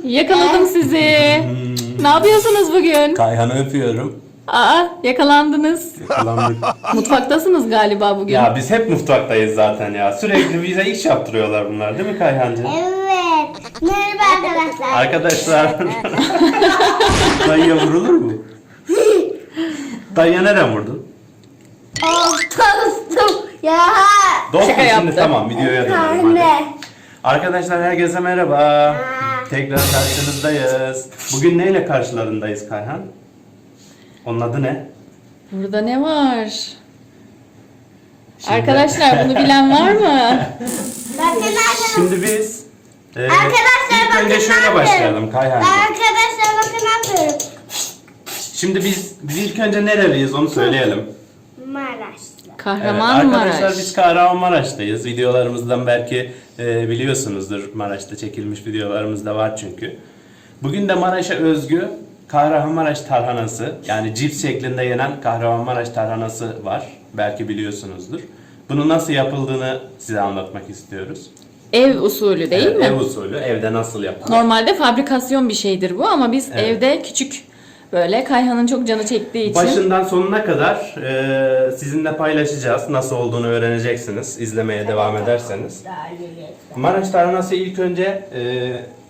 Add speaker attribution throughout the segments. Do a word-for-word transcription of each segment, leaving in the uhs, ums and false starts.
Speaker 1: Yakaladım sizi.
Speaker 2: Hmm.
Speaker 1: Ne yapıyorsunuz bugün?
Speaker 2: Kayhan'ı öpüyorum.
Speaker 1: Aa, yakalandınız.
Speaker 2: Yakalandık.
Speaker 1: Mutfaktasınız galiba bugün.
Speaker 2: Ya biz hep mutfaktayız zaten ya. Sürekli bize iş yaptırıyorlar bunlar değil mi Kayhancığım?
Speaker 3: Evet. Merhaba arkadaşlar.
Speaker 2: Arkadaşlar. Dayıya vurulur mu? Dayıya neden vurdun?
Speaker 3: Oh, dostum. Ya.
Speaker 2: Dostum
Speaker 1: Şaka
Speaker 2: şimdi
Speaker 1: yaptı.
Speaker 2: tamam videoya dönelim hadi.
Speaker 3: Anne.
Speaker 2: Arkadaşlar herkese merhaba. Tekrar karşınızdayız. Bugün neyle karşılarındayız Kayhan? Onun adı ne?
Speaker 1: Burada ne var?
Speaker 2: Şimdi-
Speaker 1: Arkadaşlar bunu bilen var mı?
Speaker 3: Bakın arkadaşlar.
Speaker 2: Şimdi biz e,
Speaker 3: Arkadaşlar
Speaker 2: ilk
Speaker 3: bakın
Speaker 2: önce
Speaker 3: ne
Speaker 2: şöyle
Speaker 3: yapıyorum.
Speaker 2: başlayalım Kayhancığım.
Speaker 3: Arkadaşlar bakın ne yapıyorum.
Speaker 2: Şimdi biz, biz ilk önce nereliyiz onu söyleyelim.
Speaker 3: Maraşlı.
Speaker 2: Evet,
Speaker 1: Kahramanmaraş.
Speaker 2: arkadaşlar biz Kahramanmaraş'tayız. Videolarımızdan belki e, biliyorsunuzdur. Maraş'ta çekilmiş videolarımız da var çünkü. Bugün de Maraş'a özgü Kahramanmaraş tarhanası, yani cips şeklinde yenen Kahramanmaraş tarhanası var. Belki biliyorsunuzdur. Bunu nasıl yapıldığını size anlatmak istiyoruz.
Speaker 1: Ev usulü değil
Speaker 2: Evet,
Speaker 1: mi?
Speaker 2: Ev usulü, evde nasıl yapılır?
Speaker 1: Normalde fabrikasyon bir şeydir bu ama biz
Speaker 2: Evet.
Speaker 1: evde küçük böyle Kayhan'ın çok canı çektiği için.
Speaker 2: Başından sonuna kadar e, sizinle paylaşacağız. Nasıl olduğunu öğreneceksiniz izlemeye devam ederseniz. Maraş tarhanası ilk önce e,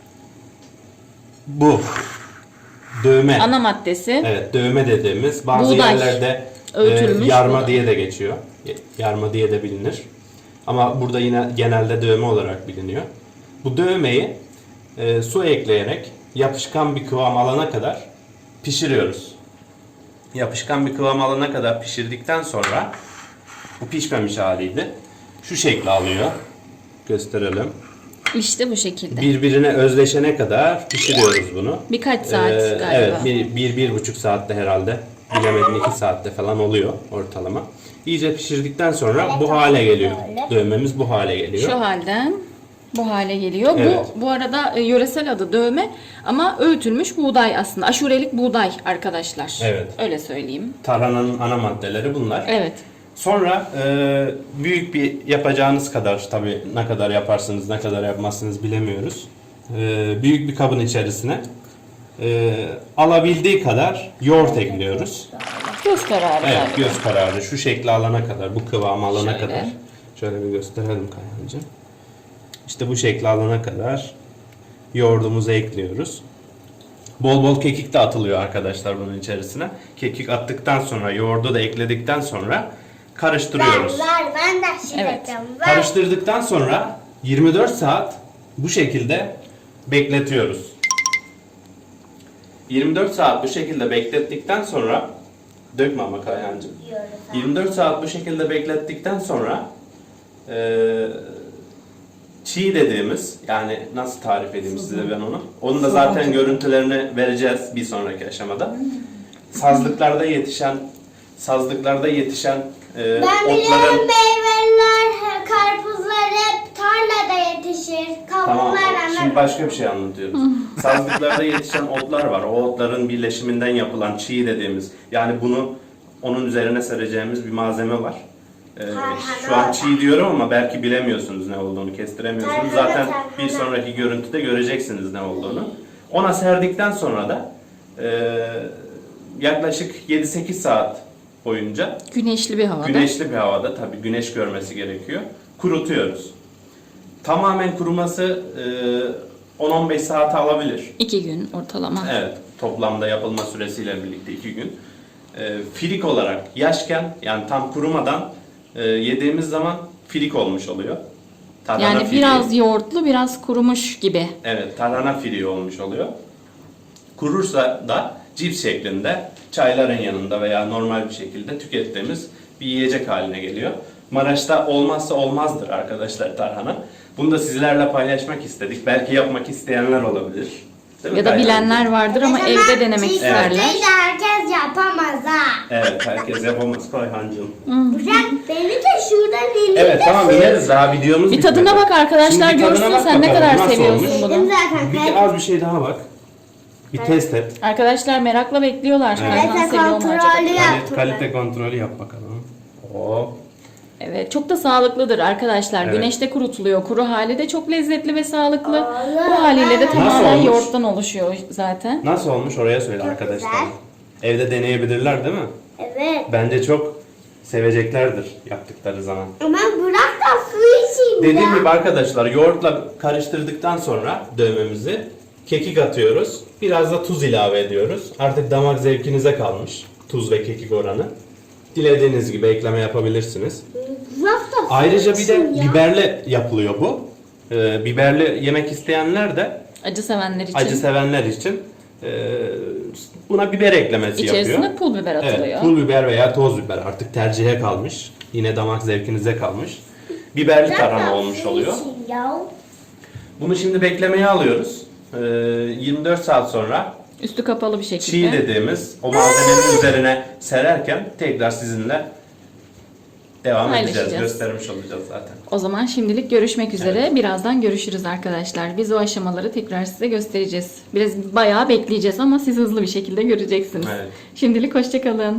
Speaker 2: bu dövme.
Speaker 1: Ana maddesi.
Speaker 2: Evet, dövme dediğimiz bazı
Speaker 1: Buğday.
Speaker 2: yerlerde e,
Speaker 1: Öğütülmüş
Speaker 2: yarma
Speaker 1: buğday.
Speaker 2: diye de geçiyor. Yarma diye de bilinir. Ama burada yine genelde dövme olarak biliniyor. Bu dövmeyi e, su ekleyerek yapışkan bir kıvam alana kadar pişiriyoruz. Yapışkan bir kıvam alana kadar pişirdikten sonra bu pişmemiş haliydi. Şu şekli alıyor. Gösterelim.
Speaker 1: İşte bu şekilde.
Speaker 2: Birbirine özleşene kadar pişiriyoruz bunu.
Speaker 1: Birkaç saat
Speaker 2: Ee,
Speaker 1: galiba.
Speaker 2: Evet, bir, bir, bir buçuk saatte herhalde. Bilemedin iki saatte falan oluyor ortalama. İyice pişirdikten sonra bu hale geliyor. Dövmemiz bu hale geliyor.
Speaker 1: Şu halden bu hale geliyor.
Speaker 2: Evet.
Speaker 1: Bu bu arada e, yöresel adı dövme ama öğütülmüş buğday aslında. Aşurelik buğday arkadaşlar.
Speaker 2: Evet.
Speaker 1: Öyle söyleyeyim.
Speaker 2: Tarhananın ana maddeleri bunlar.
Speaker 1: Evet.
Speaker 2: Sonra e, büyük bir yapacağınız kadar, tabii ne kadar yaparsınız ne kadar yapmazsınız bilemiyoruz. E, büyük bir kabın içerisine e, alabildiği kadar yoğurt ekliyoruz.
Speaker 1: Göz kararı.
Speaker 2: Evet,
Speaker 1: galiba.
Speaker 2: göz kararı şu şekli alana kadar, bu kıvamı alana
Speaker 1: Şöyle.
Speaker 2: kadar. Şöyle bir gösterelim Kayhancığım. İşte bu şekli alana kadar yoğurdumuzu ekliyoruz. Bol bol kekik de atılıyor arkadaşlar bunun içerisine. Kekik attıktan sonra, yoğurdu da ekledikten sonra karıştırıyoruz.
Speaker 3: Ver ver ben de şey
Speaker 1: Evet.
Speaker 3: yapacağım. Ver.
Speaker 2: Karıştırdıktan sonra yirmi dört saat bu şekilde bekletiyoruz. yirmi dört saat bu şekilde beklettikten sonra dökme ama Kayhancığım.
Speaker 3: Diyoruz.
Speaker 2: yirmi dört saat bu şekilde beklettikten sonra eee çiğ dediğimiz, yani nasıl tarif edeyim size ben onu? Onun da zaten görüntülerini vereceğiz bir sonraki aşamada. Sazlıklarda yetişen sazlıklarda yetişen eee
Speaker 3: Ben biliyorum
Speaker 2: otların
Speaker 3: meyveler, karpuzlar hep tarlada yetişir.
Speaker 2: Tamam,
Speaker 3: Kavunlar
Speaker 2: şimdi
Speaker 3: hemen.
Speaker 2: başka bir şey anlatıyorum. Sazlıklarda yetişen otlar var. O otların birleşiminden yapılan çiğ dediğimiz, yani bunu onun üzerine sereceğimiz bir malzeme var. Ee, şu an çiğ diyorum ama belki bilemiyorsunuz ne olduğunu, kestiremiyorsunuz.
Speaker 3: Tarhana,
Speaker 2: Zaten
Speaker 3: tarhana.
Speaker 2: bir sonraki görüntüde göreceksiniz ne olduğunu. Ona serdikten sonra da e, yaklaşık yedi sekiz saat boyunca
Speaker 1: Güneşli bir havada.
Speaker 2: güneşli bir havada, tabii güneş görmesi gerekiyor, kurutuyoruz. Tamamen kuruması e, on on beş saat alabilir.
Speaker 1: İki gün ortalama.
Speaker 2: Evet, toplamda yapılma süresiyle birlikte iki gün. E, filik olarak yaşken, yani tam kurumadan e, yediğimiz zaman filik olmuş oluyor. Tarhana
Speaker 1: Yani
Speaker 2: filiği.
Speaker 1: biraz yoğurtlu, biraz kurumuş gibi.
Speaker 2: Evet, tarhana filiği olmuş oluyor. Kurursa da cips şeklinde çayların yanında veya normal bir şekilde tükettiğimiz bir yiyecek haline geliyor. Maraş'ta olmazsa olmazdır arkadaşlar tarhana. Bunu da sizlerle paylaşmak istedik. Belki yapmak isteyenler olabilir. Değil mi
Speaker 1: Ya da
Speaker 2: Kayhan?
Speaker 1: bilenler vardır ama
Speaker 3: Mesela
Speaker 1: evde denemek
Speaker 3: çiğ
Speaker 1: isterler.
Speaker 3: köfteyi de herkes yapamaz ha.
Speaker 2: Evet, herkes yapamaz Kayhancığım.
Speaker 3: Bırak beni de şuradan indir.
Speaker 2: Evet, tamam ineriz, daha videomuz
Speaker 1: Bir
Speaker 2: bitmedi.
Speaker 1: tadına bak arkadaşlar,
Speaker 2: Şimdi bir tadına
Speaker 1: görsün
Speaker 2: bak
Speaker 1: sen ne
Speaker 2: bakalım,
Speaker 1: kadar
Speaker 2: nasıl
Speaker 1: seviyorsun
Speaker 2: olmuş?
Speaker 1: bunu.
Speaker 3: Yedim zaten.
Speaker 2: Bir az bir şey daha bak. Bir test et.
Speaker 1: Arkadaşlar merakla bekliyorlar.
Speaker 2: Evet.
Speaker 1: Kayhan
Speaker 3: Kalite
Speaker 1: seviyor mu
Speaker 3: kontrolü
Speaker 1: acaba?
Speaker 3: yap.
Speaker 2: Kalite,
Speaker 3: Yaptım
Speaker 2: kalite kontrolü yap bakalım. Hop.
Speaker 1: Evet, çok da sağlıklıdır arkadaşlar.
Speaker 2: Evet.
Speaker 1: Güneşte kurutuluyor. Kuru hali de çok lezzetli ve sağlıklı.
Speaker 3: Allah.
Speaker 1: Bu haliyle de
Speaker 2: Nasıl
Speaker 1: tamamen
Speaker 2: olmuş?
Speaker 1: yoğurttan oluşuyor zaten.
Speaker 2: Nasıl olmuş oraya söyle
Speaker 3: Çok
Speaker 2: arkadaşlar.
Speaker 3: güzel.
Speaker 2: Evde deneyebilirler değil mi?
Speaker 3: Evet.
Speaker 2: Bence çok seveceklerdir yaptıkları zaman.
Speaker 3: Ama bırak da su içeyim
Speaker 2: Dediğim
Speaker 3: ya.
Speaker 2: gibi arkadaşlar yoğurtla karıştırdıktan sonra dövmemizi kekik atıyoruz. Biraz da tuz ilave ediyoruz. Artık damak zevkinize kalmış tuz ve kekik oranı. Dilediğiniz gibi ekleme yapabilirsiniz.
Speaker 3: Bırak da su
Speaker 2: Ayrıca bir de
Speaker 3: içeyim ya.
Speaker 2: biberle yapılıyor bu. Ee, biberli yemek isteyenler de
Speaker 1: Acı sevenler için
Speaker 2: acı sevenler için e, buna biber eklemesi yapıyor.
Speaker 1: içerisine pul biber atılıyor.
Speaker 2: Evet, pul biber veya toz biber artık tercihe kalmış. Yine damak zevkinize kalmış. Biberli
Speaker 3: Bırak da
Speaker 2: tarhana
Speaker 3: su
Speaker 2: olmuş oluyor.
Speaker 3: içeyim ya.
Speaker 2: Bunu şimdi beklemeye alıyoruz. Ee, yirmi dört saat sonra
Speaker 1: Üstü kapalı bir şekilde.
Speaker 2: çiğ dediğimiz o malzemenin üzerine sererken tekrar sizinle devam edeceğiz.
Speaker 1: Paylaşacağız.
Speaker 2: Göstermiş olacağız zaten.
Speaker 1: O zaman şimdilik görüşmek üzere. Birazdan görüşürüz arkadaşlar. Biz o aşamaları tekrar size göstereceğiz. Biraz bayağı bekleyeceğiz ama siz hızlı bir şekilde göreceksiniz.
Speaker 2: Evet.
Speaker 1: Şimdilik hoşça kalın.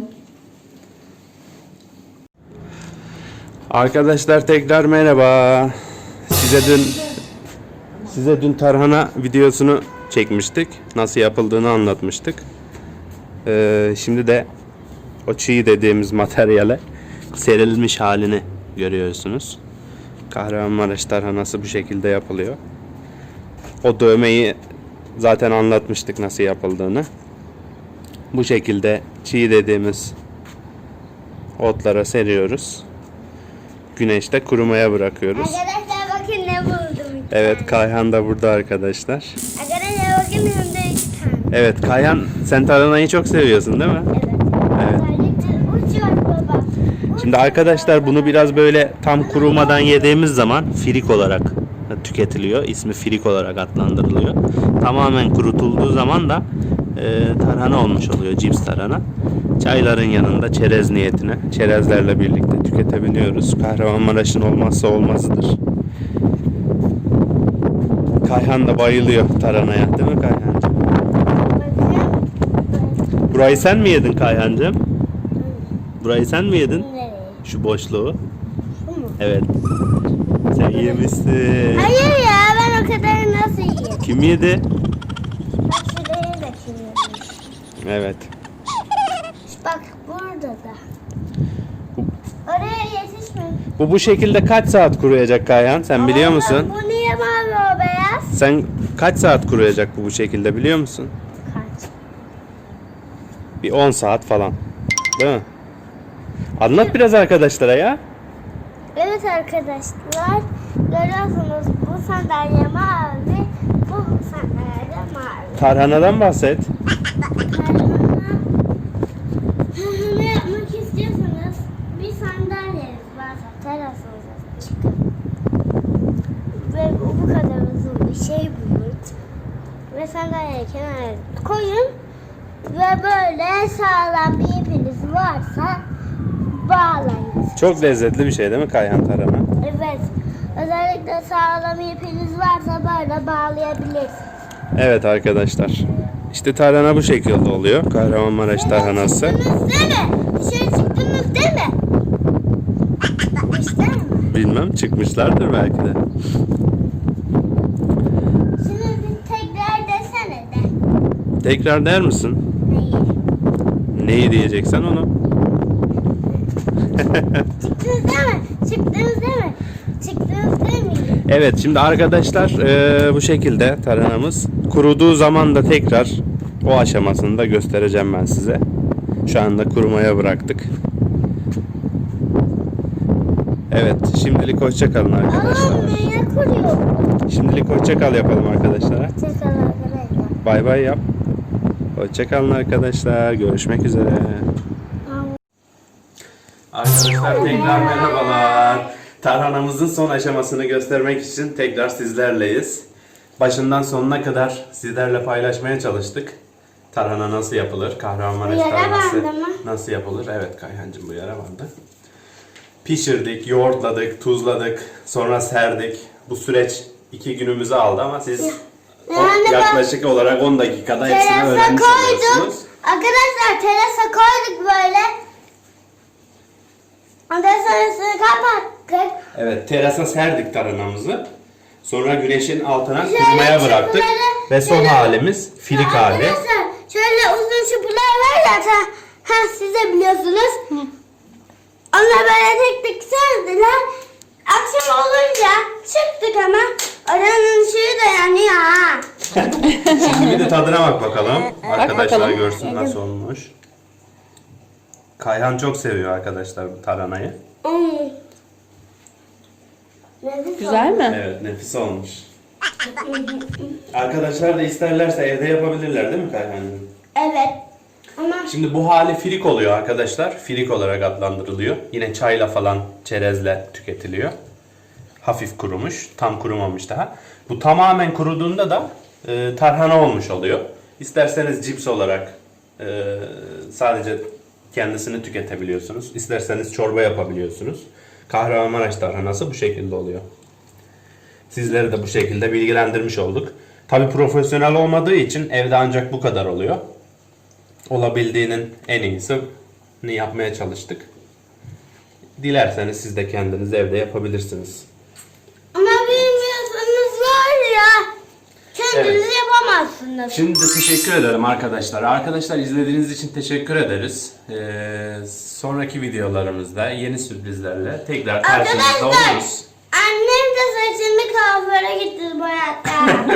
Speaker 2: Arkadaşlar tekrar merhaba. Size dün size dün tarhana videosunu çekmiştik. Nasıl yapıldığını anlatmıştık. Ee, şimdi de o çiğ dediğimiz materyale serilmiş halini görüyorsunuz. Kahramanmaraş tarhanası bu şekilde yapılıyor. O dövmeyi zaten anlatmıştık nasıl yapıldığını. Bu şekilde çiğ dediğimiz otlara seriyoruz. Güneşte kurumaya bırakıyoruz.
Speaker 3: Arkadaşlar bakın ne buldum.
Speaker 2: Evet, Kayhan da burada arkadaşlar.
Speaker 3: Arkadaşlar bakın hem de iki tane.
Speaker 2: Evet, Kayhan sen tarhanayı çok seviyorsun değil mi?
Speaker 3: Evet.
Speaker 2: Evet.
Speaker 3: Özellikle uç var baba. Uç
Speaker 2: Şimdi
Speaker 3: var
Speaker 2: arkadaşlar
Speaker 3: baba.
Speaker 2: bunu biraz böyle tam kurumadan yediğimiz zaman firik olarak tüketiliyor. İsmi firik olarak adlandırılıyor. Tamamen kurutulduğu zaman da e, tarhana olmuş oluyor, cips tarhana. Çayların yanında çerez niyetine, çerezlerle birlikte tüketebiliyoruz. Kahramanmaraş'ın olmazsa olmazıdır. Kayhan da bayılıyor tarhanaya, değil mi Kayhancığım?
Speaker 3: Bakın.
Speaker 2: Burayı sen mi yedin Kayhancığım? Burayı sen mi yedin?
Speaker 3: Nereye?
Speaker 2: Şu boşluğu.
Speaker 3: Bu mu?
Speaker 2: Evet. Sen yemişsin.
Speaker 3: Hayır ya ben o kadar nasıl yiyeyim?
Speaker 2: Kim yedi?
Speaker 3: Bak şuraya da kim yemiş.
Speaker 2: Evet.
Speaker 3: Bak burada da. Oraya yetişme.
Speaker 2: Bu bu şekilde kaç saat kuruyacak Kayhan? Sen biliyor
Speaker 3: Ama
Speaker 2: musun?
Speaker 3: Bu niye mavi o beyaz?
Speaker 2: Sen kaç saat kuruyacak bu bu şekilde biliyor musun?
Speaker 3: Kaç?
Speaker 2: Bir on saat falan. Değil mi? Anlat biraz arkadaşlara ya.
Speaker 3: Evet arkadaşlar görüyorsunuz bu sandalye mavi, bu sandalye de mavi.
Speaker 2: Tarhanadan bahset.
Speaker 3: Ne yapmak istiyorsanız bir sandalyeniz varsa terasınıza çıkın ve bu, bu kadar uzun bir şey bulun ve sandalyeyi kenara koyun ve böyle sağlam bir ipiniz varsa bağlayın.
Speaker 2: Çok lezzetli bir şey değil mi Kayhan tarhana?
Speaker 3: Evet. Özellikle sağlam ipiniz varsa böyle bağlayabilirsiniz.
Speaker 2: Evet arkadaşlar. İşte tarhana bu şekilde oluyor. Kahramanmaraş tarhanası.
Speaker 3: Çıktınız değil mi? Dışarı çıktınız değil mi? İşte mi?
Speaker 2: Bilmem, çıkmışlardır belki de.
Speaker 3: Şimdi bir tekrar desene de.
Speaker 2: Tekrar der misin?
Speaker 3: Neyi?
Speaker 2: Neyi diyeceksen onu.
Speaker 3: Çıktınız değil mi? Çıktınız değil mi? Çıktınız değil mi?
Speaker 2: Evet, şimdi arkadaşlar eee, bu şekilde tarhanamız kuruduğu zaman da tekrar o aşamasını da göstereceğim ben size. Şu anda kurumaya bıraktık. Evet, şimdilik hoşça kalın arkadaşlar.
Speaker 3: Oğlum neye kuruyor?
Speaker 2: Şimdilik hoşça kal yapalım arkadaşlara.
Speaker 3: Çakal arkadaşlar.
Speaker 2: Bay bay yap. Hoşça kalın arkadaşlar. Görüşmek üzere. Arkadaşlar tekrar merhabalar. Tarhanamızın son aşamasını göstermek için tekrar sizlerleyiz. Başından sonuna kadar sizlerle paylaşmaya çalıştık. Tarhana nasıl yapılır? Kahramanmaraş
Speaker 3: Bu yara
Speaker 2: tarhanası
Speaker 3: bandı mı?
Speaker 2: nasıl yapılır? Evet Kayhancığım bu yara bandı. Pişirdik, yoğurtladık, tuzladık, sonra serdik. Bu süreç iki günümüzü aldı ama siz o
Speaker 3: Yani ben-
Speaker 2: yaklaşık olarak on dakikada hepsini
Speaker 3: Terasa
Speaker 2: öğrenmiş
Speaker 3: koyduk.
Speaker 2: oluyorsunuz.
Speaker 3: Arkadaşlar terasa koyduk böyle. Ondan sonrasını kapattık.
Speaker 2: Evet, terasa serdik tarhanamızı. Sonra güneşin altına
Speaker 3: Şöyle
Speaker 2: kurumaya bıraktık.
Speaker 3: çukurları-
Speaker 2: Ve son
Speaker 3: şöyle-
Speaker 2: halimiz filik
Speaker 3: Ya
Speaker 2: hali.
Speaker 3: Arkadaşlar şöyle uzun çubuğlar var ya. ta- Ha siz de biliyorsunuz. Onlar böyle tek tek serdiler. Akşam olunca çıktık ama oranın ışığı da yanıyor ha.
Speaker 2: Şimdi bir de tadına bak bakalım. Arkadaşlar
Speaker 1: bakalım.
Speaker 2: görsün nasıl olmuş. Kayhan çok seviyor arkadaşlar bu tarhanayı.
Speaker 3: Hmm. Nefis
Speaker 1: Güzel
Speaker 3: oldu.
Speaker 1: mi?
Speaker 2: Evet, nefis olmuş. Arkadaşlar da isterlerse evde yapabilirler değil mi Kayhan'cığım?
Speaker 3: Evet. Ama
Speaker 2: Şimdi bu hali firik oluyor arkadaşlar. Firik olarak adlandırılıyor. Yine çayla falan çerezle tüketiliyor. Hafif kurumuş. Tam kurumamış daha. Bu tamamen kuruduğunda da e, tarhana olmuş oluyor. İsterseniz cips olarak e, sadece kendisini tüketebiliyorsunuz. İsterseniz çorba yapabiliyorsunuz. Kahramanmaraş tarhanası bu şekilde oluyor. Sizleri de bu şekilde bilgilendirmiş olduk. Tabi profesyonel olmadığı için evde ancak bu kadar oluyor. Olabildiğinin en iyisini yapmaya çalıştık. Dilerseniz siz de kendiniz evde yapabilirsiniz.
Speaker 3: ama bilmiyorsanız var ya. Kendiniz
Speaker 2: Evet.
Speaker 3: yapamazsınız.
Speaker 2: Şimdi de teşekkür ederim arkadaşlar. Arkadaşlar izlediğiniz için teşekkür ederiz. Ee, sonraki videolarımızda yeni sürprizlerle tekrar karşınızda
Speaker 3: Arkadaşlar
Speaker 2: oluruz.
Speaker 3: annem de saçını kuaföre gitti boyatta.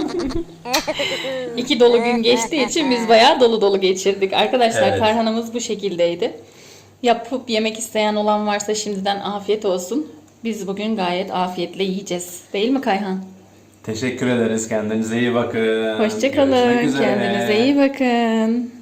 Speaker 1: İki dolu gün geçtiği için biz bayağı dolu dolu geçirdik. Arkadaşlar
Speaker 2: Evet.
Speaker 1: tarhanamız bu şekildeydi. Yapıp yemek isteyen olan varsa şimdiden afiyet olsun. Biz bugün gayet afiyetle yiyeceğiz. Değil mi Kayhan?
Speaker 2: Teşekkür ederiz. Kendinize iyi bakın.
Speaker 1: Hoşçakalın.
Speaker 2: Görüşmek üzere.
Speaker 1: Kendinize iyi bakın.